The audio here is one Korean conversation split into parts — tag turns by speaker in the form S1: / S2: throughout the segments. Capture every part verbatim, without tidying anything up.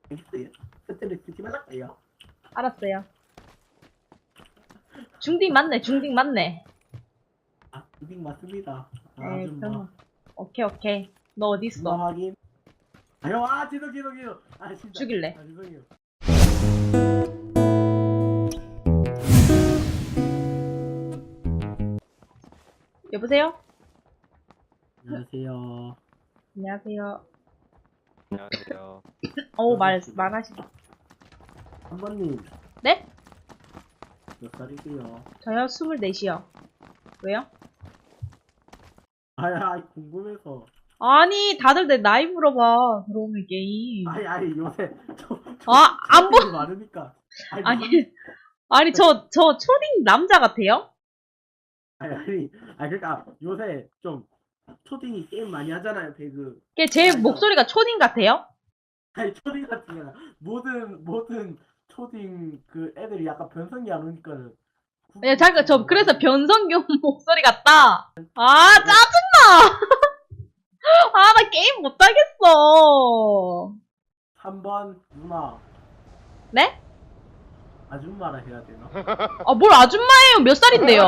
S1: 알겠어요. 스트레스 쓰지 말라고요.
S2: 알았어요. 중딩 맞네, 중딩 맞네.
S1: 아, 이빙 맞습니다. 아,
S2: 에이,
S1: 좀
S2: 그럼.
S1: 뭐.
S2: 오케이, 오케이. 너 어디
S1: 뭐
S2: 있어?
S1: 확인. 아유, 아, 지도, 지도, 지도. 아, 진짜.
S2: 죽일래.
S1: 아, 죄송해요.
S2: 여보세요?
S1: 안녕하세요.
S2: 안녕하세요.
S3: 안녕하세요.
S2: 어우, 말, 말하시다.
S1: 한 번님,
S2: 네?
S1: 몇 살이세요?
S2: 저요, 스물넷이요. 왜요?
S1: 아이, 아이, 궁금해서.
S2: 아니, 다들 내 나이 물어봐. 들어오는 게임.
S1: 아이, 아이, 요새. 저, 저,
S2: 아, 안 보,
S1: 보 많으니까. 아이,
S2: 아니,
S1: 무슨-
S2: 아니, 저, 저 초딩 남자 같아요?
S1: 아니, 아니, 아니, 그러니까 요새 좀 초딩이 게임 많이 하잖아요, 배그.
S2: 걔 제
S1: 아니,
S2: 목소리가 초딩 같아요?
S1: 아니, 초딩 같은 게 아니라 모든 모든 초딩 그 애들이 약간 변성기 안 오니까는.
S2: 네, 잠깐, 저, 그래서 변성경 목소리 같다. 아, 짜증나! 아, 나 게임 못하겠어.
S1: 삼 번 누나
S2: 네?
S1: 아줌마라 해야 되나?
S2: 아, 뭘 아줌마예요? 몇 살인데요?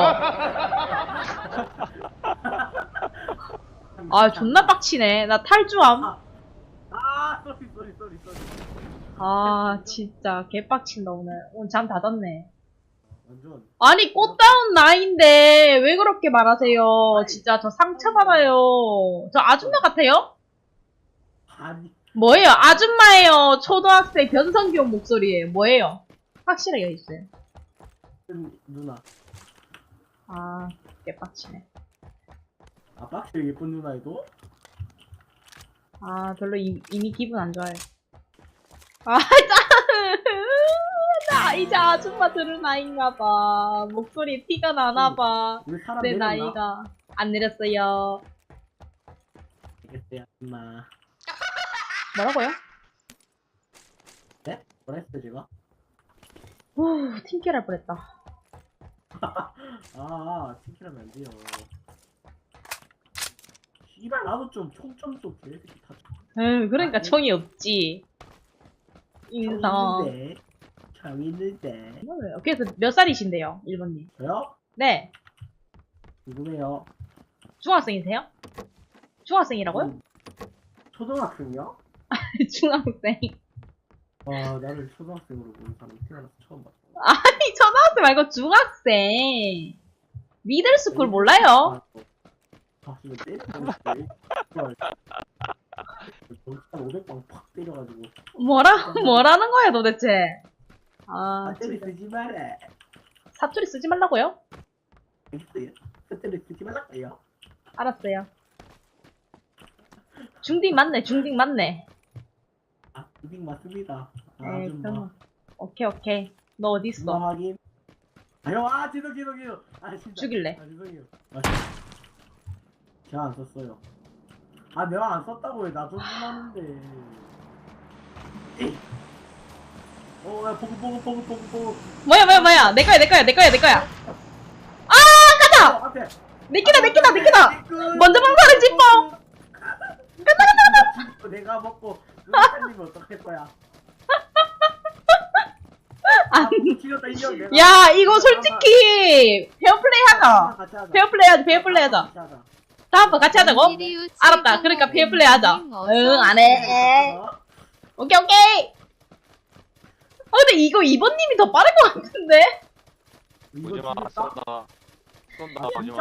S2: 아, 존나 빡치네. 나 탈주함.
S1: 아, 아, 쏘리 쏘리 쏘리 쏘리.
S2: 아, 진짜 개빡친다, 오늘. 오늘 잠 다 잤네.
S1: 완전.
S2: 아니, 꽃다운 나이인데, 왜 그렇게 말하세요? 진짜 저 상처받아요. 저 아줌마 같아요?
S1: 아니,
S2: 뭐예요? 아줌마예요? 초등학생 변성기용 목소리예요? 뭐예요? 확실하게 해주세요.
S1: 누나.
S2: 아, 개빡치네.
S1: 아, 빡치게 예쁜 누나에도?
S2: 아, 별로 이, 이미 기분 안 좋아요. 아, 짜! 나 이제 아줌마 들을 나이인가봐. 목소리 티가 나나봐.
S1: 우리 사람
S2: 내
S1: 내렸나?
S2: 나이가. 안 내렸어요.
S1: 알겠어요, 누나.
S2: 뭐라고요?
S1: 네? 뭐라 했어, 제가?
S2: 후, 팀킬 할 뻔했다.
S1: 아, 팀킬하면 안 돼요. 씨발, 나도 좀 총점 좀 개새끼 다.
S2: 에휴, 그러니까 총이 없지. 인성.
S1: 있는데. 참 있는데.
S2: 뭐예요? 그래서 몇 살이신데요, 일본님?
S1: 저요?
S2: 네.
S1: 궁금해요.
S2: 중학생이세요? 중학생이라고요?
S1: 음, 초등학생이요?
S2: 중학생.
S1: 와, 나를 초등학생으로 보는 사람 태어나서 처음 봤어.
S2: 아니, 초등학생 말고 중학생. 미들스쿨 몰라요?
S1: 아, 지금 때리고 한 오백 방 팍 때려가지고.
S2: 뭐라, 뭐라는 거야, 도대체? 아,
S1: 배터리
S2: 진짜.
S1: 쓰지 마라.
S2: 사투리 쓰지 말라고요?
S1: 알겠어요. 배터리 쓰지 말라고요.
S2: 알았어요. 중딩 맞네, 중딩 맞네.
S1: 아, 이빙 맞습니다. 아,
S2: 에이,
S1: 좀
S2: 그럼.
S1: 뭐.
S2: 오케이, 오케이. 너 어디
S1: 뭐
S2: 있어?
S1: 확인. 아유, 아, 지도, 지도, 지도. 아, 진짜.
S2: 죽일래.
S1: 아, 죄송해요. 아, 제가 안 썼어요. 아, 내가 안 썼다고요. 나 좀 하는데. 어, 야, 보고, 보고, 보고, 보고, 보고.
S2: 뭐야, 뭐야, 뭐야. 내 거야, 내 거야, 내 거야, 내 거야. 아, 가자!
S1: 어, 앞에.
S2: 내 끼다, 내 끼다, 내 끼다! 먼저 방사를 짚어!
S1: 간다, 간다, 간다! 내가 먹고, 누가 살리면 어떡할 거야? 아, 지렸다, 인정. 내가.
S2: 야, 이거 솔직히, 페어플레이 하자.
S1: 같이 하자.
S2: 페어플레이 하자, 페어플레이 하자.
S1: 같이 하자.
S2: 다음번 같이 하자고? 알았다. 그러니까 페어플레이 하자. 응, 안 해.
S1: 어?
S2: 오케이, 오케이. 어, 근데 이거 이번님이 더 빠른 것 같은데?
S1: 이거
S3: 오지마,
S1: 지렸다?
S3: 쏜다. 쏜다,
S1: 아,
S3: 오지마.
S1: 진짜.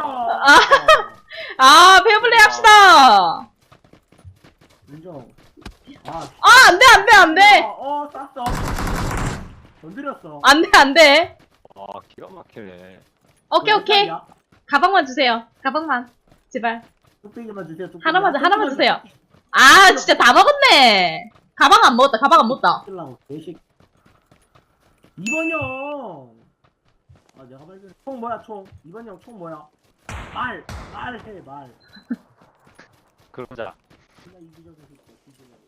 S2: 아, 페어플레이 합시다.
S1: 인정. 아,
S2: 아, 안 돼, 안 돼, 안 돼.
S1: 어, 어, 쐈어. 건드렸어.
S2: 안 돼, 안 돼.
S3: 아, 기가 막히네.
S2: 오케이, 오케이. 가방만 주세요. 가방만. 제발.
S1: 뚝배기만 주세요. 뚝배기.
S2: 하나만, 주- 하나만 주세요.
S1: 뚝배기.
S2: 아, 진짜 다 먹었네. 가방 안 먹었다, 가방 안 먹었다.
S1: 쓰려고, 개식. 이번 형. 아, 내가 발견. 총 뭐야, 총? 이번 형 총 뭐야? 말, 말해, 말.
S3: 그러자.
S1: 존나 이기적인 새끼야, 뒤질라고.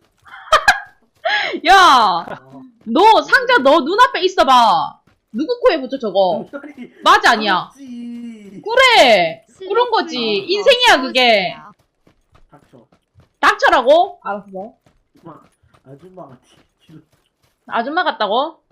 S2: 야,
S1: 어.
S2: 너 상자 너 눈앞에 있어봐. 누구 코에 붙여 저거?
S1: 소리.
S2: 맞아, 아니야?
S1: 그렇지.
S2: 그래. 그런 거지. 인생이야, 그게.
S1: 닥쳐.
S2: 닥쳐라고? 알았어.
S1: 아줌마, 아줌마가 튀-
S2: 아줌마 같다고?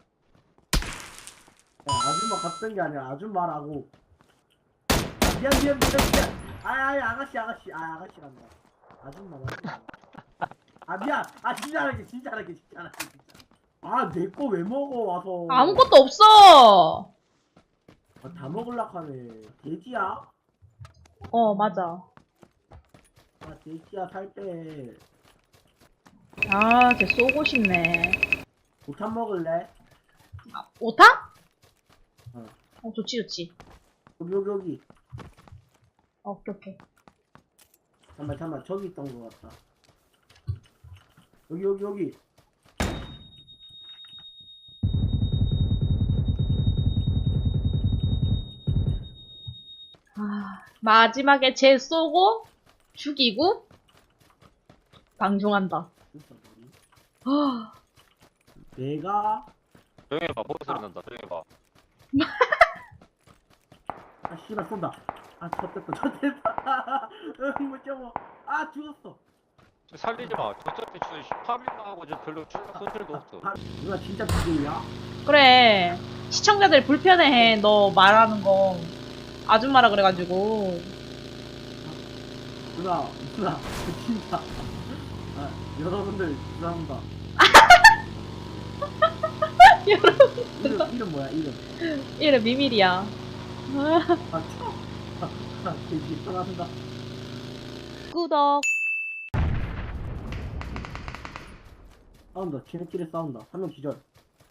S1: 야, 아줌마 같은 게 아니라 아줌마라고. 아, 미안 미안 미안 미안. 아이 아가씨 아가씨 아 아가씨 간다. 아줌마 맞아. 아 미안. 아 진짜 할게 진짜 할게 진짜 할게 진짜. 아 내 거 왜 먹어 와서.
S2: 아무것도 없어!
S1: 아, 다 먹을락 하네. 돼지야?
S2: 어, 맞아.
S1: 아 돼지야 살 빼.
S2: 아, 쟤 쏘고 싶네.
S1: 못한 먹을래?
S2: 오타?
S1: 어.
S2: 어, 좋지, 좋지.
S1: 여기 여기 여기.
S2: 어, 오케이, 오케이.
S1: 잠깐만 잠깐만 저기 있던 거 같다. 여기 여기 여기.
S2: 아, 마지막에 쟤 쏘고, 죽이고, 방종한다.
S1: 진짜 머리.
S2: 아,
S1: 내가
S3: 조용히 해봐. 보고 소리 난다. 조용히 해봐.
S1: 아 씨발 쏜다. 아 젖됐다 젖됐다. 응못 잡아. 아 죽었어.
S3: 저 살리지 마. 저쪽에 저 파밍하고 저 별로 손질도 없어.
S1: 아, 누나 진짜 비밀이야?
S2: 그래. 시청자들 불편해해, 너 말하는 거. 아줌마라 그래가지고.
S1: 누나 누나 진짜. 아 여러분들 죄송합니다.
S2: 여러분,
S1: 이름 이름 뭐야 이름?
S2: 이래 비밀이야.
S1: 아 참. 아 돼지 사랑한다.
S2: 구독.
S1: 싸운다. 지네끼리 싸운다. 한 명 기절.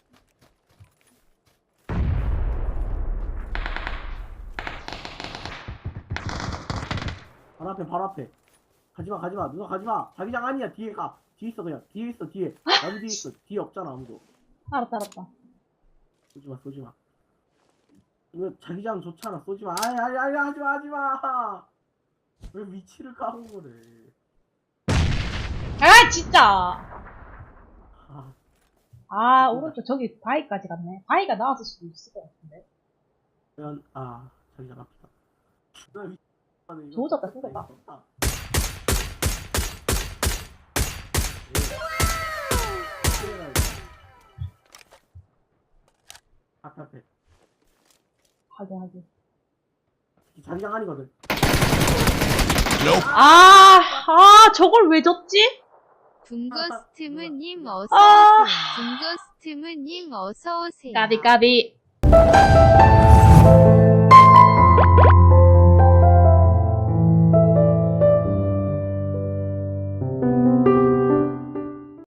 S1: 바로 앞에 바로 앞에. 가지마 가지마 누나 가지마. 자기장 아니야. 뒤에 가. 뒤에 있어 그냥. 뒤에 있어 뒤에. 나도 뒤에 있어. 뒤에 없잖아 아무도.
S2: 알았다, 알았다.
S1: 쏘지마 쏘지마. 이거 자기장 좋잖아. 쏘지마. 아니 아니 아니 하지마 하지마. 왜 위치를 까고 그래.
S2: 아, 진짜!
S1: 아
S2: 아, 오른쪽 저기 바위까지 갔네. 바위가 나왔을 수도 있을 것 같은데.
S1: 그냥 아 자기장 앞이다. 누나 위- 아, 네, 이거
S2: 조졌다,
S1: 쏘겠다,
S2: 쏘겠다.
S1: 이거 쏘겠다. 예. 앞에 앞에.
S2: 하긴, 하긴.
S1: 자기장 아니거든.
S2: 아, 아, 저걸 왜 줬지?
S4: 붕거스트무님
S2: 아.
S4: 어서오세요. 붕거스트무님 어서오세요.
S2: 까비, 까비.